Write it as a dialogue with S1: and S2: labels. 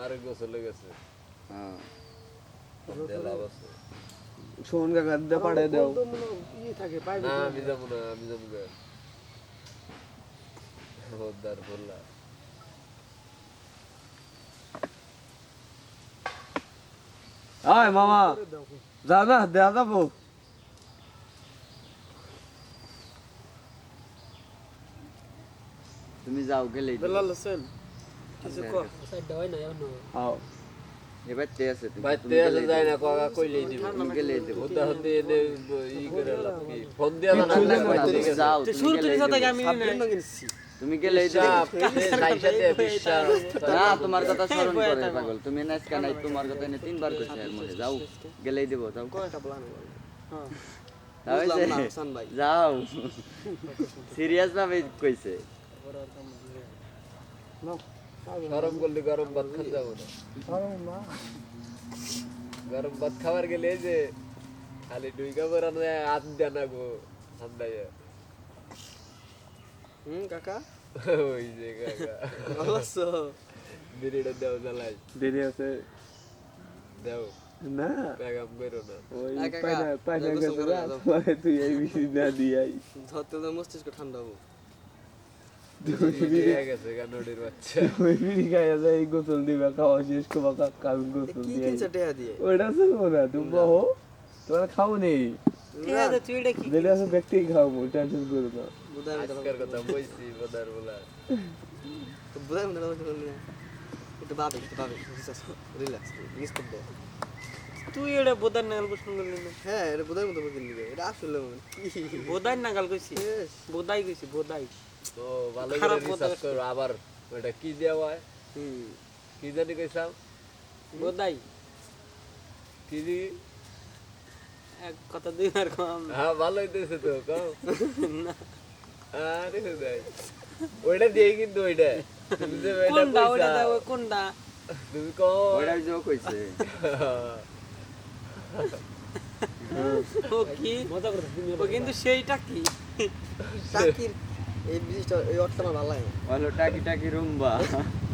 S1: আরে গোসলে গেছে
S2: হ্যাঁ
S1: লাভ আছে
S3: শোন কাকা দে পাড়ে দাও
S4: ই থাকে পাইবে
S1: না আমি যাবো না আমি যাবো না ওদার বললা
S3: আয় মামা যা না দেয়া যাবো
S2: তুমি যাও গেলেই দিবো।
S4: বেলাল হোসেন কিছু কো
S5: সাইড হয় না এমন
S3: আও
S2: এবার তে আছে তুমি
S1: ভাই তে আসে যায় না কাকা কইলেই দিব
S2: তুমি গেলেই দেবো
S1: ওদা হতে এনে ই করে লাভ কি ফোন দিয়া না
S2: তুমি যাও
S5: তো
S2: তুমি
S5: শুরু
S2: গেলেই
S5: সাথে
S2: দেবো।
S5: আমি
S4: সাবধান কিনছি
S2: তুমি গেলেই দেবো।
S1: সাইসাতে বিশ্বাস
S2: না তোমার কথা স্মরণ করে পাগল তুমি নাচকা নাই তোমার কথা এনে তিনবার কইছে এর মধ্যে যাও গেলেই দেবো যাও
S4: কয়টা প্ল্যান হ্যাঁ
S2: যাও এই
S4: বুঝলাম না
S2: যে,
S4: হাসান ভাই
S2: যাও সিরিয়াস ভাবে কইছে
S1: গরম করলে গরম ভাত খান যাবো না গরম ভাত খাবার গেলে এই যে খালি ডুইকা বরানো হাত দেয় না গো ঠান্ডায়
S4: কাকা
S1: ওই যে কাকা
S4: ভালো আছো
S1: বিড়িটা দেও জ্বালাই
S3: দেরি আছে
S1: দেও
S3: না
S1: বেগাম বেরো না
S3: ওই
S4: না, কাকা,
S3: পায়না পায়না
S4: গোসল
S3: গেছে
S4: করে
S3: রাত
S4: দাও।
S3: পরে তুই এই বেশি না দিয়াই
S4: ধরতে তো মস্তিষ্ক ঠান্ডা হবো
S1: বিড়ি গেছে গা নদীর বাচ্চা
S3: ওই বিড়ি খাইয়া যায় গোসল দিবে খাওয়া শেষ করবা কাকা আমি গোসল
S4: কি
S3: দিয়াই
S4: কিনছে টেয়া দিয়ে
S3: ওইটা চলবো না তুমি বহো তোমার খাও নেই
S5: ঠিক আছে তুই এটা কি
S3: যেটা আছে ব্যক্তি খাওয়াবো টেনশন করো না
S4: বুধাই
S1: আজকের কথা বলছি বদার বলা
S4: বুধাই মনে হয় একটু ভাবে রিল্যাক্স রিস্ক করবো
S5: তুই এটা বোদার নাগাল প্রশ্ন করলি না
S4: হ্যাঁ এটা বুধাই মতো বলতে নিবে এটা আসলে মনে
S5: বোদাই নাগাল কইছি বোদাই কইছি বোদাই
S1: তো ভালো
S5: খারাপ
S1: করে
S5: কথা
S1: রিসার্চ করো আবার ওটা কি দেওয়া হয়
S4: হুম
S1: কি জানি কইছাম
S5: বোদাই
S1: কি দি
S5: এক কথা দুইবার কম
S1: হ্যাঁ ভালো হইতেছে তো কও আরে ভাই ওইটা দিয়ে কিন্তু ওইটা তুমি যে ওইটা
S5: কোনটা ওটা
S1: কইছা,
S5: দাও কোনটা
S1: তুমি কও
S2: ওইটাই যে কইছে
S5: ও কি মজা করে ও কিন্তু সেইটা কি
S4: টাকির এই জিনিসটা এই অর্থটা আমার ভালো লাগে না
S2: বলো টাকি টাকি রুম্বা